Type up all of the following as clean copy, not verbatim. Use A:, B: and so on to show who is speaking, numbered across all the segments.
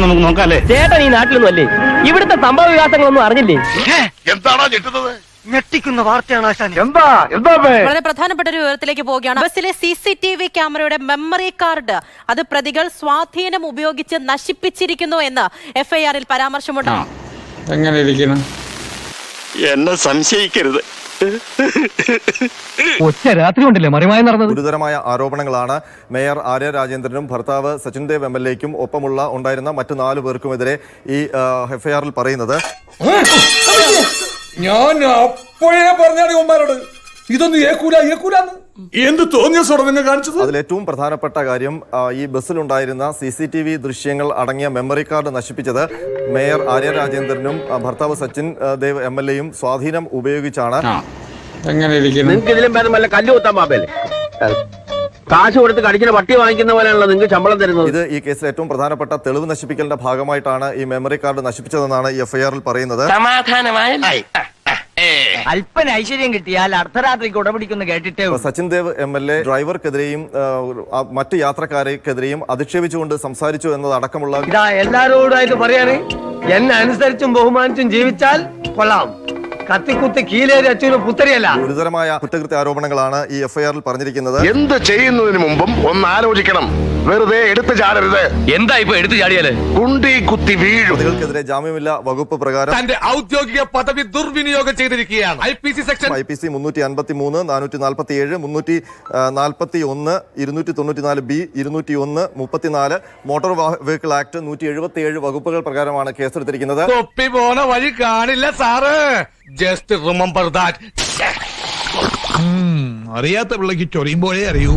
A: നമുക്ക് നോക്കാല്ലേ.
B: ചേട്ടൻ ഈ നാട്ടിലൊന്നും അല്ലേ, ഇവിടുത്തെ സംഭവ വികാസങ്ങളൊന്നും അറിഞ്ഞില്ലേ?
C: എന്താണോ ഞെട്ടുന്നത്?
D: ഞെട്ടിക്കുന്ന വാർത്തയാണ് ആശാൻ.
E: വളരെ പ്രധാനപ്പെട്ട ഒരു വിവരത്തിലേക്ക് പോവുകയാണ്. ബസ്സിലെ CCTV ക്യാമറയുടെ മെമ്മറി കാർഡ് അത് പ്രതികൾ സ്വാധീനം ഉപയോഗിച്ച് നശിപ്പിച്ചിരിക്കുന്നു എന്ന് FIR-ൽ പരാമർശമുണ്ട്.
F: എങ്ങനെ ഇരിക്കുന്നു?
C: എന്നെ സംശയിക്കരുത്.
B: ഒറ്റ രാത്രി കൊണ്ടല്ലേ മറിമായി നടന്നത്.
G: ഗുരുതരമായ ആരോപണങ്ങളാണ് മേയർ ആര്യ രാജേന്ദ്രനും ഭർത്താവ് സച്ചിൻ ദേവ് MLA-ക്കും ഒപ്പമുള്ള ഉണ്ടായിരുന്ന മറ്റു 4 പേർക്കുമെതിരെ ഈ FIR-ൽ പറയുന്നത്.
F: ഞാൻ അപ്പോഴേ പറഞ്ഞാണ് ഉമ്മാരോട് ഇതൊന്നും ഏക്കൂലെന്ന് എന്ത് തോന്നിയ സ്വടങ്ങൾ കാണിച്ചത്.
G: അതിലേറ്റവും പ്രധാനപ്പെട്ട കാര്യം ഈ ബസ്സിലുണ്ടായിരുന്ന CCTV ദൃശ്യങ്ങൾ അടങ്ങിയ മെമ്മറി കാർഡ് നശിപ്പിച്ചത് മേയർ ആര്യ രാജേന്ദ്രനും ഭർത്താവ് സച്ചിൻ ദേവ് MLA-യും സ്വാധീനം ഉപയോഗിച്ചാണ്.
F: എങ്ങനെ ഇരിക്കുന്നു?
B: നിങ്ങൾക്ക് ഇതിലും ഭേദം വല്ല കല്ല് കുത്താൻ പാപ്പല്ലേ? കാശ് കൊടുത്ത് കടിക്കുന്ന പട്ടി വാങ്ങിക്കുന്ന പോലെയാണല്ലോ നിങ്ങൾക്ക് ശമ്പളം തരുന്നത്.
G: ഇത് ഈ കേസിൽ ഏറ്റവും പ്രധാനപ്പെട്ട തെളിവ് നശിപ്പിക്കലിന്റെ ഭാഗമായിട്ടാണ് ഈ മെമ്മറി കാർഡ് നശിപ്പിച്ചതെന്നാണ് ഈ FIR-ൽ പറയുന്നത്.
D: അല്പന ഐശ്വര്യം കിട്ടിയാൽ അർദ്ധരാത്രിക്ക് ഉടപിടിക്കുന്നു കേട്ടിട്ടേ.
G: സച്ചിൻ ദേവ് MLA ഡ്രൈവർക്കെതിരെയും മറ്റ് യാത്രക്കാരെക്കെതിരെയും അധിക്ഷേപിച്ചുകൊണ്ട് സംസാരിച്ചു എന്നതടക്കമുള്ള
B: ഇതാ എല്ലാരോടായിട്ട് പറയാണ്, എന്നെ അനുസരിച്ചും ബഹുമാനിച്ചും ജീവിച്ചാൽ കൊള്ളാം, കത്തിക്കുത്തി കീലേരി അച്ഛന് പുത്തരിയല്ല.
G: ഗുരുതരമായ കുറ്റകൃത്യ ആരോപണങ്ങളാണ് ഈ FIR-ൽ പറഞ്ഞിരിക്കുന്നത്.
C: എന്ത് ചെയ്യുന്നതിന് മുമ്പും ഒന്ന് ആലോചിക്കണം. വെറുതെ എടുത്തു ചാടരുത്.
B: എന്താ ഇപ്പൊ എടുത്തു ചാടിയാല്?
C: കുണ്ടി കുത്തി വീഴും.
G: പ്രതികൾക്കെതിരെ ജാമ്യമില്ല വകുപ്പ് പ്രകാരം
F: തന്റെ ഔദ്യോഗിക പദവി ദുർവിനിയോഗം ചെയ്തിരിക്കുകയാണ്. IPC
G: 353, 447, 341, 294B, 201, 34 motor vehicle act 177 വകുപ്പുകൾ പ്രകാരമാണ് കേസെടുത്തിരിക്കുന്നത്.
F: തൊപ്പി പോണ വഴി കാണില്ല സാറ്. Just remember that. അറിയാത്ത പിള്ളക്ക് ചൊറിയുമ്പോഴേ അറിയൂ.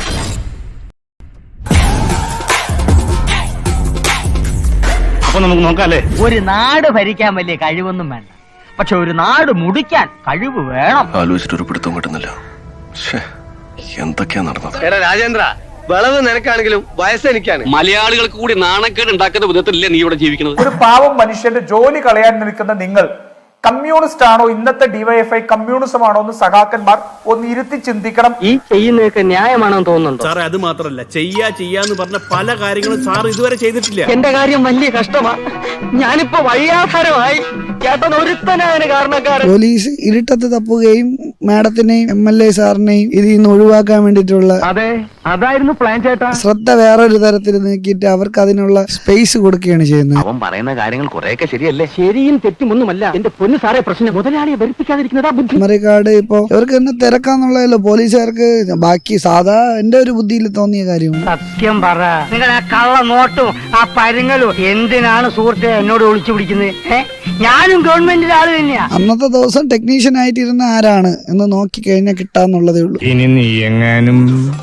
A: അപ്പൊ നമുക്ക് നോക്കാല്ലേ.
D: ഒരു നാട് ഭരിക്കാൻ വലിയ കഴിവൊന്നും വേണ്ട, പക്ഷെ ഒരു നാട് മുടിക്കാൻ കഴിവ് വേണം.
C: ആലോചിച്ചിട്ടൊരു പിടുത്തം കിട്ടുന്നില്ല. എന്തൊക്കെയാ നടന്നത്?
B: എടാ രാജേന്ദ്ര, വിളവ് നിനക്കാണെങ്കിലും വയസ്സ് എനിക്കാണ്.
H: മലയാളികൾക്ക് കൂടി നാണക്കേട് ഉണ്ടാക്കുന്ന വിധത്തിലല്ലേ നീ ഇവിടെ ജീവിക്കുന്നത്?
I: ഒരു പാവം മനുഷ്യന്റെ ജോലി കളയാൻ നിൽക്കുന്ന നിങ്ങൾ കമ്മ്യൂണിസ്റ്റ് ആണോ, ഇന്നത്തെ DYFI കമ്മ്യൂണിസം ആണോ എന്ന് സഖാക്കന്മാർ ഒന്ന് ഇരുത്തി ചിന്തിക്കണം.
B: ഈ ചെയ്യുന്നതൊക്കെ ന്യായമാണെന്ന് തോന്നുന്നുണ്ടോ?
A: സാറേ, അത് മാത്രല്ല, ചെയ്യാന്ന് പറഞ്ഞ പല കാര്യങ്ങളും സാർ ഇതുവരെ ചെയ്തിട്ടില്ല.
B: എന്റെ കാര്യം വലിയ കഷ്ടമാ. ഞാനിപ്പോ വഴിയാധാരമായി. ചേട്ടൻ ഒരുത്തനായ കാരണക്കാരൻ.
J: പോലീസ് ഇരുട്ടത്ത് തപ്പുകയും മാഡത്തിനെയും MLA സാറിനെയും ഇതിൽ നിന്ന് ഒഴിവാക്കാൻ വേണ്ടിയിട്ടുള്ള
B: അതെ, അതായിരുന്നു പ്ലാൻ ചേട്ടാ.
J: ശ്രദ്ധ വേറൊരു തരത്തിൽ നീക്കിയിട്ട് അവർക്ക് അതിനുള്ള സ്പേസ് കൊടുക്കുകയാണ് ചെയ്യുന്നത്.
B: അവൻ പറയുന്ന കാര്യങ്ങൾ കുറെയൊക്കെ ശരിയല്ലേ? ശരിയും തെറ്റുമൊന്നുമല്ല. എന്റെ പൊന്നു സാറേ, പ്രശ്നം മുതലാളിയെ വെറുപ്പിക്കാതിരിക്കുന്നതാ ബുദ്ധി.
J: മെമ്മറി കാർഡ് ഇപ്പൊ ഇവർക്ക് തന്നെ തിരക്കാന്നുള്ളതല്ലോ പോലീസുകാർക്ക്. ബാക്കി സാധാ എന്റെ ഒരു ബുദ്ധിയിൽ തോന്നിയ കാര്യമാണ്.
D: സത്യം പറ, നിങ്ങൾ ആ കള്ള നോട്ടും ആ പരുങ്ങലും എന്തിനാണ് സുഹൃത്തെ എന്നോട് ഒളിച്ചു പിടിക്കുന്നത്? ഞാനും ഗവൺമെന്റിന്റെ ആള് തന്നെയാ.
J: അന്നത്തെ ദിവസം ടെക്നീഷ്യൻ ആയിട്ടിരുന്ന ആരാണ് എന്ന് നോക്കി കഴിഞ്ഞാൽ കിട്ടാന്നുള്ളതേ ഉള്ളൂ.
A: ഇനി നീ എങ്ങാനും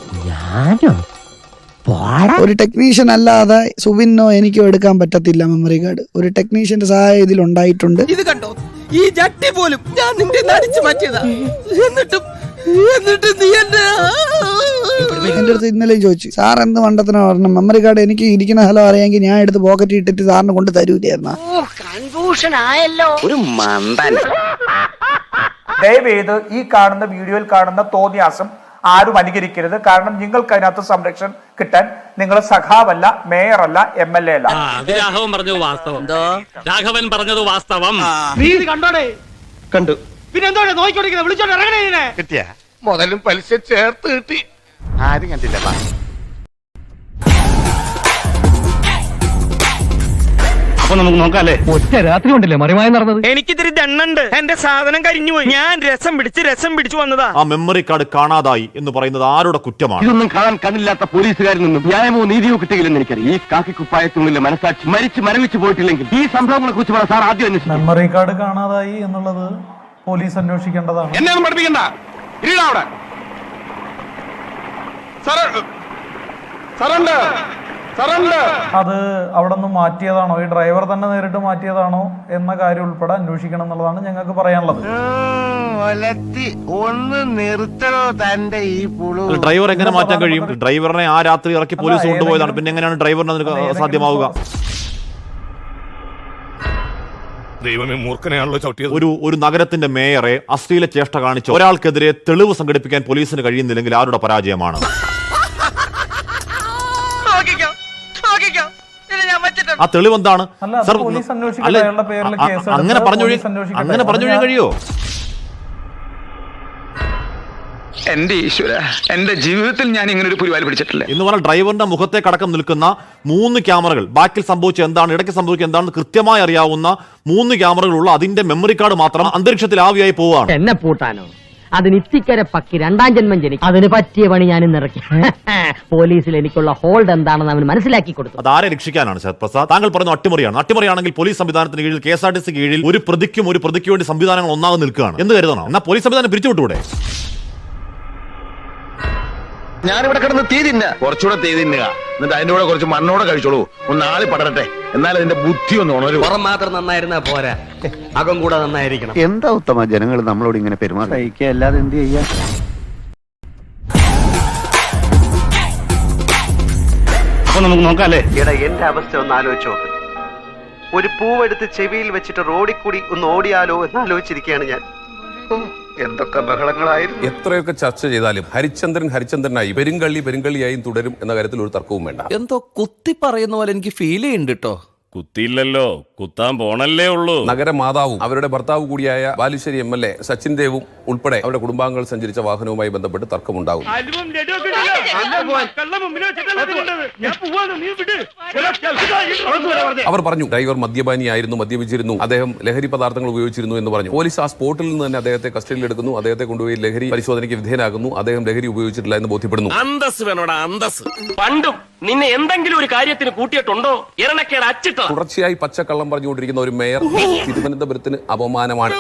J: ഒരു ടെക്നീഷ്യൻ അല്ലാതെ സുബിനോ എനിക്കോ എടുക്കാൻ പറ്റത്തില്ല മെമ്മറി കാർഡ്. ഒരു ടെക്നീഷ്യന്റെ സഹായം ഇതിൽ ഉണ്ടായിട്ടുണ്ട്.
D: ഇത് കണ്ടോ, ഈ ജട്ടി പോലും ഞാൻ നിന്റെ നടിച്ചു മാറ്റിയതാ. എന്നിട്ടും നീ
J: എന്റെ അടുത്ത് ഇന്നലെയും ചോദിച്ചു, സാർ എന്ത് മണ്ടത്തിനാ പറഞ്ഞ മെമ്മറി കാർഡ് എനിക്ക് ഇരിക്കുന്ന സ്ഥലം അറിയാമെങ്കിൽ ഞാൻ എടുത്ത് പോക്കറ്റ് ഇട്ടിട്ട് സാറിന് കൊണ്ട് തരൂലായിരുന്ന.
D: കൺഫ്യൂഷൻ ആയല്ലോ.
B: ഒരു മണ്ടൻ.
I: ദയവേത് ഈ കാണുന്ന വീഡിയോയിൽ കാണുന്ന തോന്നിയാസം ആരും അനുകരിക്കരുത്. കാരണം നിങ്ങൾക്ക് അതിനകത്ത് സംരക്ഷണം കിട്ടാൻ നിങ്ങൾ സഖാവല്ല, മേയറല്ല, MLA അല്ല.
H: രാഘവൻ പറഞ്ഞത് വാസ്തവം. രാഘവൻ പറഞ്ഞത് വാസ്തവം.
B: നീ ഇത് കണ്ടോടെ?
D: കണ്ടു.
B: പിന്നെ എന്തോടെ നോക്കിക്കൊണ്ടിരിക്കുന്നത്? വിളിച്ചോണ്ട് ഇറങ്ങണേ.
C: കിട്ടിയ മുതലും പലിശ ചേർത്ത് കിട്ടി. ആരും കണ്ടില്ല.
A: അപ്പൊ നമുക്ക് നോക്കാല്ലേ.
B: ഒറ്റ രാത്രി കൊണ്ടല്ലേ മറിമായി നടന്നത്. എനിക്കിതിരി ദണ്ണുണ്ട്. എന്റെ സാധനം കരിഞ്ഞുപോയി. ഞാൻ രസം പിടിച്ച് വന്നതാ.
K: ആ മെമ്മറി കാർഡ് കാണാതായി എന്ന് പറയുന്നത് ആരുടെ കുറ്റമാണ്?
H: ഇതൊന്നും കാണാൻ കണ്ണില്ലാത്ത പോലീസുകാരിൽ നിന്നും ന്യായമോ നീതിയോ കിട്ടുകയില്ലെന്ന് എനിക്കറിയാം. ഈ കാക്കി കുപ്പായത്തിനുള്ളിലെ മനസാക്ഷി മരവിച്ച് പോയിട്ടില്ലെങ്കിൽ ഈ സംഭവങ്ങളെ കുറിച്ച് സാർ ആദ്യം അന്വേഷിക്കും.
I: മെമ്മറി കാർഡ് കാണാതായി എന്നുള്ളത് പോലീസ് അന്വേഷിക്കേണ്ടതാണ്.
F: എന്നെ ഒന്നും പഠിപ്പിക്കണ്ട. ഇരിടാ അവിടെ.
I: അത് അവിടെ നിന്ന് മാറ്റിയതാണോ, ഈ ഡ്രൈവർ തന്നെ നേരിട്ട് മാറ്റിയതാണോ എന്ന കാര്യം ഉൾപ്പെടെ അന്വേഷിക്കണം എന്നുള്ളതാണ് ഞങ്ങൾക്ക് പറയാനുള്ളത്.
D: ഒന്ന് നിർത്തണോ തന്റെ ഈ പുളു?
K: ഡ്രൈവർ എങ്ങനെ മാറ്റാൻ കഴിയും? ഡ്രൈവറിനെ ആ രാത്രി ഇറക്കി പോലീസ് കൊണ്ടുപോയതാണ്. പിന്നെ എങ്ങനെയാണ് ഡ്രൈവറിന് അതിന് സാധ്യമാവുക?
F: ദൈവമേ, മൂർഖനെയാണല്ലോ ചവിട്ടിയത്.
K: ഒരു നഗരത്തിന്റെ മേയറെ അശ്ലീല ചേഷ്ട കാണിച്ച ഒരാൾക്കെതിരെ തെളിവ് സംഘടിപ്പിക്കാൻ പോലീസിന് കഴിയുന്നില്ലെങ്കിൽ ആരുടെ പരാജയമാണ്?
D: ഞാൻ വെച്ചിട്ടുണ്ട്.
K: ആ തെളിവ് എന്താണ്?
I: അല്ല, അത്
K: സർ,
I: പോലീസ് അന്വേഷിക്കട്ടെ,
K: അല്ല,
I: അയാളുടെ പേരിൽ കേസ് എടുത്ത്
K: അങ്ങനെ പറഞ്ഞു
I: പോലീസ് അന്വേഷിക്കട്ടെ.
K: അങ്ങനെ പറഞ്ഞു
I: ഞാൻ-
K: കഴിയോ?
H: എന്റെ ഈശ്വര, എന്റെ ജീവിതത്തിൽ ഞാൻ ഇങ്ങനെ ഒരു പുരിവാലി പിടിച്ചിട്ടില്ല.
K: എന്ന് പറഞ്ഞാൽ ഡ്രൈവറിന്റെ മുഖത്തേക്കടക്കം നിൽക്കുന്ന 3 ക്യാമറകൾ, ബാക്കിൽ സംഭവിച്ച എന്താണ്, ഇടയ്ക്ക് സംഭവിച്ച എന്താണെന്ന് കൃത്യമായി അറിയാവുന്ന 3 ക്യാമറകളുള്ള അതിന്റെ മെമ്മറി കാർഡ് മാത്രം അന്തരീക്ഷത്തിൽ ആവിയായി പോവുകയാണ്.
D: എന്നെ പൂട്ടാനോ? അതിന് ഇത്തിക്കര പക്കി 2ാം ജന്മം ജനിക്കും. അതിന് പറ്റിയ പണി ഞാൻ ഇന്നിറക്കി. പോലീസിൽ എനിക്കുള്ള ഹോൾഡ് എന്താണെന്ന് അവന് മനസ്സിലാക്കി കൊടുത്തു.
K: അതാരെ രക്ഷിക്കാനാണ് ശരത് പ്രസാദ്? താങ്കൾ പറഞ്ഞു അട്ടിമറിയാണ്. അട്ടിമറിയാണെങ്കിൽ പോലീസ് സംവിധാനത്തിന് കീഴിൽ KSRTC കീഴിൽ ഒരു പ്രതിക്ക് വേണ്ടി സംവിധാനങ്ങൾ ഒന്നാകെ നിൽക്കുകയാണ് എന്ന് കരുതണം. എന്നാൽ പോലീസ് സംവിധാനം പിരിച്ചുവിട്ടൂടെ?
C: ഞാനിവിടെ കിടന്ന് തീ തിന്ന കുറച്ചുകൂടെ തീ തിന്നുക, എന്നിട്ട് അതിന്റെ കൂടെ കുറച്ച് മണ്ണോടെ കഴിച്ചോളൂ. ഒന്ന് ആളി പടരട്ടെ, എന്നാൽ അതിന്റെ ബുദ്ധി ഒന്ന് ഉണരും.
H: പുറം മാത്രം നന്നായിരുന്നാ പോരാ, അകം കൂടെ നന്നായിരിക്കണം.
B: എന്താ ഉത്തമ ജനങ്ങൾ നമ്മളോട് ഇങ്ങനെ പെരുമാറുക? അല്ലാതെ എന്ത് ചെയ്യാ?
H: അപ്പൊ നമുക്ക് നോക്കാം അല്ലേ?
B: എടാ, എന്റെ അവസ്ഥ ഒന്ന് ആലോചിച്ചോ. ഒരു പൂവെടുത്ത് ചെവിയിൽ വെച്ചിട്ട് റോഡിൽ കൂടി ഒന്ന് ഓടിയാലോ എന്ന് ആലോചിച്ചിരിക്കുകയാണ് ഞാൻ. എന്തൊക്കെ ബഹളങ്ങളായിരുന്നു.
F: എത്രയൊക്കെ ചർച്ച ചെയ്താലും ഹരിചന്ദ്രനായി പെരുങ്കള്ളിയായും തുടരും എന്ന കാര്യത്തിൽ ഒരു തർക്കവും വേണ്ട.
H: എന്തോ കുത്തി പറയുന്ന പോലെ എനിക്ക് ഫീൽ ചെയ്യുന്നുണ്ട് കേട്ടോ.
A: കുത്തിയില്ലല്ലോ, കുത്താൻ പോണല്ലേ ഉള്ളൂ.
F: നഗരമാതാവും അവരുടെ ഭർത്താവ് കൂടിയായ ബാലുശ്ശേരി MLA സച്ചിൻ ദേവും ഉൾപ്പെടെ അവരുടെ കുടുംബാംഗങ്ങൾ സഞ്ചരിച്ച വാഹനവുമായി ബന്ധപ്പെട്ട് തർക്കമുണ്ടാകും. അവർ പറഞ്ഞു ഡ്രൈവർ മദ്യപാനിയായിരുന്നു, മദ്യപിച്ചിരുന്നു, അദ്ദേഹം ലഹരി പദാർത്ഥങ്ങൾ ഉപയോഗിച്ചിരുന്നു എന്ന് പറഞ്ഞു. പോലീസ് ആ സ്പോട്ടിൽ നിന്ന് തന്നെ അദ്ദേഹത്തെ കസ്റ്റഡിയിൽ എടുക്കുന്നു, അദ്ദേഹത്തെ കൊണ്ടുപോയി ലഹരി പരിശോധനയ്ക്ക് വിധേയനാക്കുന്നു. അദ്ദേഹം ലഹരി ഉപയോഗിച്ചിട്ടില്ല എന്ന് ബോധ്യപ്പെടുന്നു.
A: അന്തസ് വേണോടാ, അന്തസ്. പണ്ടും നിന്നെ എന്തെങ്കിലും ഒരു കാര്യത്തിന് കൂട്ടിയിട്ടുണ്ടോ? ഇരണക്കേട് അച്ചിട്ടോ?
F: തുടർച്ചയായി പച്ചക്കള്ളം പറഞ്ഞുകൊണ്ടിരിക്കുന്ന ഒരു മേയർ തിരുവനന്തപുരത്തിന് അപമാനമാണ്.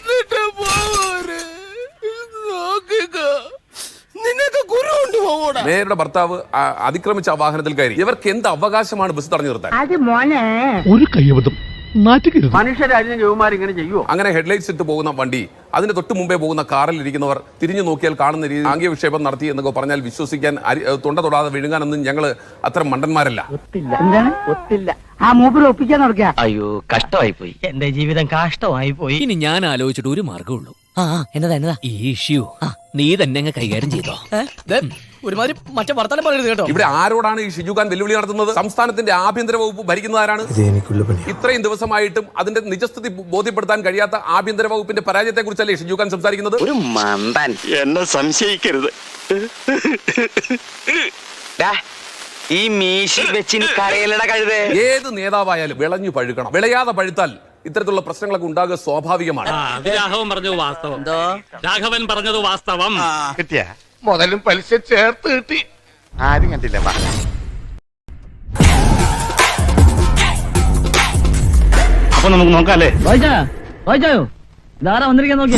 F: മേയറുടെ ഭർത്താവ് അതിക്രമിച്ച ആ വാഹനത്തിൽ കയറി. ഇവർക്ക് എന്ത് അവകാശമാണ് ബസ് തടഞ്ഞു നിർത്താൻ?
D: അത് മോനെ
H: ഒരു കയ്യബദ്ധം നാറ്റുകരുത്.
B: മനുഷ്യരാജ്യം ജോമാർ ഇങ്ങനെ ചെയ്യുമോ?
F: അങ്ങനെ ഹെഡ്ലൈറ്റ്സ് ഇട്ട് പോകുന്ന വണ്ടി, അതിന് തൊട്ട് മുമ്പേ പോകുന്ന കാറിൽ ഇരിക്കുന്നവർ തിരിഞ്ഞു നോക്കിയാൽ കാണുന്ന രീതി ആംഗ്യ വിക്ഷേപം നടത്തി എന്നൊക്കെ പറഞ്ഞാൽ വിശ്വസിക്കാൻ തൊണ്ട തൊടാതെ വിഴുങ്ങാനൊന്നും ഞങ്ങൾ അത്ര മണ്ടന്മാരല്ല.
D: എന്താണ് ഒത്തില്ല? ആ മൂപ്പര് ഒപ്പിക്കാൻ നടക്കുക.
H: അയ്യോ, കഷ്ടമായി പോയി.
D: എന്റെ ജീവിതം കാഷ്ടമായി പോയി.
H: ഇനി ഞാൻ ആലോചിച്ചിട്ട് ഒരു മാർഗമുള്ളൂ. എന്നതാ ഈ ഇഷ്യൂ നീ തന്നെ അങ്ങ് കൈകാര്യം ചെയ്തോ. ഒരുമാതിരി മറ്റേ വർത്തമാനം പറയരുത് കേട്ടോ.
F: ഇവിടെ ആരോടാണ് ഈ ഷിജുഖാൻ വെല്ലുവിളി നടത്തുന്നത്? സംസ്ഥാനത്തിന്റെ ആഭ്യന്തര വകുപ്പ് ഭരിക്കുന്നതാരാണ്? ഇത്രയും ദിവസമായിട്ടും അതിന്റെ നിജസ്ഥിതി ബോധ്യപ്പെടുത്താൻ കഴിയാത്ത ആഭ്യന്തര വകുപ്പിന്റെ പരാജയത്തെ കുറിച്ചല്ലേ ഷിജുഖാൻ സംസാരിക്കുന്നത്?
H: ഒരു മന്ദൻ.
C: എന്നെ സംശയിക്കരുത്.
H: ഈ മീശി വെച്ചിന് കരയിലട കഴുതേ.
F: ഏത് നേതാവായാലും വിളഞ്ഞു പഴുക്കണം. വിളയാതെ പഴുത്താൽ ഇത്തരത്തിലുള്ള പ്രശ്നങ്ങളൊക്കെ ഉണ്ടാകുക സ്വാഭാവികമാണ്.
A: രാഘവൻ പറഞ്ഞത് വാസ്തവം. രാഘവൻ പറഞ്ഞത് വാസ്തവം.
C: കിട്ടിയ മുതലും പലിശ ചേർത്ത് കിട്ടി. ആരും കണ്ടില്ല.
H: അപ്പൊ നമുക്ക് നോക്കാം അല്ലേ?
D: വായിച്ചായോ? ഇതാരാ വന്നിരിക്കാൻ നോക്കി.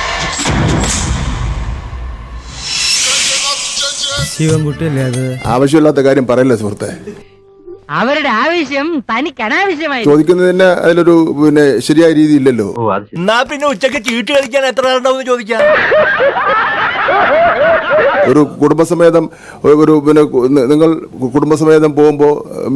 D: ശിവൻകുട്ടിയല്ലേ അത്?
F: ആവശ്യമില്ലാത്ത കാര്യം പറയല്ലേ സുഹൃത്തെ.
D: അവരുടെ ആവശ്യം തനിക്ക് അനാവശ്യമായി.
F: ചോദിക്കുന്നതിന് അതിലൊരു ശരിയായ രീതി ഇല്ലല്ലോ.
H: എന്നാ പിന്നെ ഉച്ചക്ക് ചീട്ട് കളിക്കാൻ എത്ര ആളുണ്ടാവും ചോദിക്കാം.
F: ഒരു കുടുംബസമേതം നിങ്ങൾ കുടുംബസമേതം പോകുമ്പോ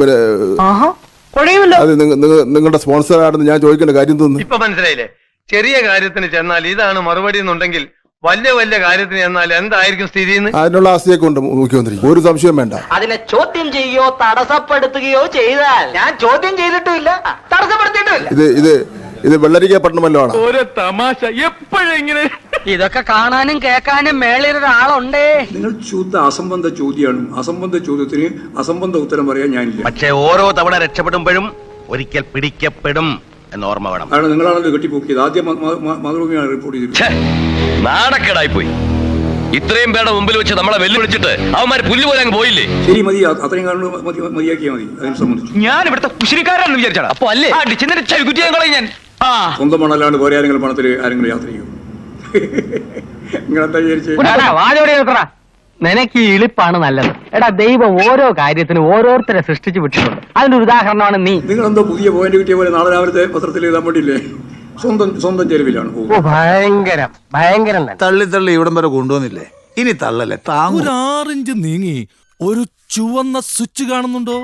F: അത് നിങ്ങളുടെ സ്പോൺസർ ആണെന്ന് ഞാൻ ചോദിക്കേണ്ട കാര്യം തോന്നുന്നു.
B: ഇപ്പൊ മനസ്സിലായില്ലേ? ചെറിയ കാര്യത്തിന് ചെന്നാൽ ഇതാണ് മറുപടി എന്നുണ്ടെങ്കിൽ വലിയ കാര്യത്തിന് ചെന്നാൽ എന്തായിരിക്കും സ്ഥിതി?
F: അതിനുള്ള ആസ്തിയൊക്കെ ഉണ്ട് മുഖ്യമന്ത്രി, ഒരു സംശയം വേണ്ട.
D: അതിനെ ചോദ്യം ചെയ്യുകയോ തടസ്സപ്പെടുത്തുകയോ ചെയ്താൽ ഞാൻ ചോദ്യം ചെയ്തിട്ടുമില്ല, തടസ്സപ്പെടുത്തിയിട്ടുമില്ല.
F: ഇത് വെള്ളരിക്കപ്പെട്ടണമല്ലോ ആണ്.
H: ഒരു തമാശ എപ്പോഴെങ്ങനെ.
D: ഇതൊക്കെ കാണാനും കേൾക്കാനും മേളിൽ ഒരാളുണ്ടേ.
F: നിങ്ങൾ ശുദ്ധ അസംബന്ധ ചോദ്യമാണ്. അസംബന്ധ ചോദ്യത്തിന് അസംബന്ധ ഉത്തരം പറയാൻ ഞാനില്ല.
H: പക്ഷെ ഓരോ തവണ രക്ഷപ്പെടുമ്പോഴും ഒരിക്കൽ പിടിക്കപ്പെടും എന്ന് ഓർമ്മ വേണം.
F: കാരണം നിങ്ങളാണല്ലോ കെട്ടിപ്പോക്കിയത്. ആദ്യം മാതൃഭൂമിയാണ് റിപ്പോർട്ട് ചെയ്തത്.
H: നാണക്കേടായി പോയി. ഇത്രയും പേരുടെ മുമ്പിൽ വെച്ച് നമ്മളെ വെല്ലുവിളിച്ചിട്ട് അവന്മാര് പുല്ല് പോലെ അങ്ങ് പോയില്ലേ?
F: ശരി, മതി. അത്രയും കാരണം മതിയാക്കിയാൽ മതി. അതിനെ സംബന്ധിച്ചു
H: ഞാൻ ഇവിടുത്തെ കുശിനിക്കാരാണെന്ന് വിചാരിച്ചാ. അപ്പൊ അല്ലേ ഞാൻ
F: സ്വന്തം മണല്ലാണ്ട് വേറെ ആരെങ്കിലും പണത്തിൽ ആരെങ്കിലും യാത്ര ചെയ്യും? നിങ്ങളെന്താ വിചാരിച്ചേ?
D: നിനക്ക് ഈ ഇളിപ്പാണ് നല്ലത്. എടാ, ദൈവം ഓരോ കാര്യത്തിനും ഓരോരുത്തരെ സൃഷ്ടിച്ചു വിട്ടിട്ടുണ്ട്. അതിനൊരു ഉദാഹരണമാണ് നീ.
F: നിങ്ങളെന്തോ പുതിയ പോയിന്റ് കിട്ടിയ പോലെ നാളെ രാവിലത്തെ പത്രത്തിൽ എഴുതാൻ വേണ്ടിയില്ലേ? സ്വന്തം ചെലവിലാണ്.
D: ഭയങ്കരം
B: തള്ളി ഇവിടം വരെ കൊണ്ടുവന്നില്ലേ? ഇനി തള്ളല്ലേ,
A: ഒരു 6 ഇഞ്ച് നീങ്ങി ഒരു ചുവന്ന സ്വിച്ച് കാണുന്നുണ്ടോ?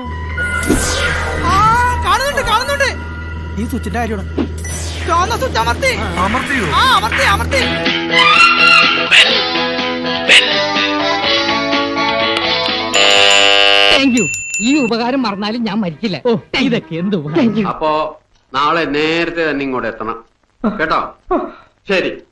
D: കാണുന്നുണ്ട്. ഈ സ്വിച്ചിന്റെ കാര്യമാണ്. ഈ ഉപകാരം മറന്നാലും ഞാൻ മരിക്കില്ല. ഇതൊക്കെ എന്ത്
B: അപ്പോ നാളെ നേരത്തെ തന്നെ ഇങ്ങോട്ട് എത്തണം കേട്ടോ. ശരി.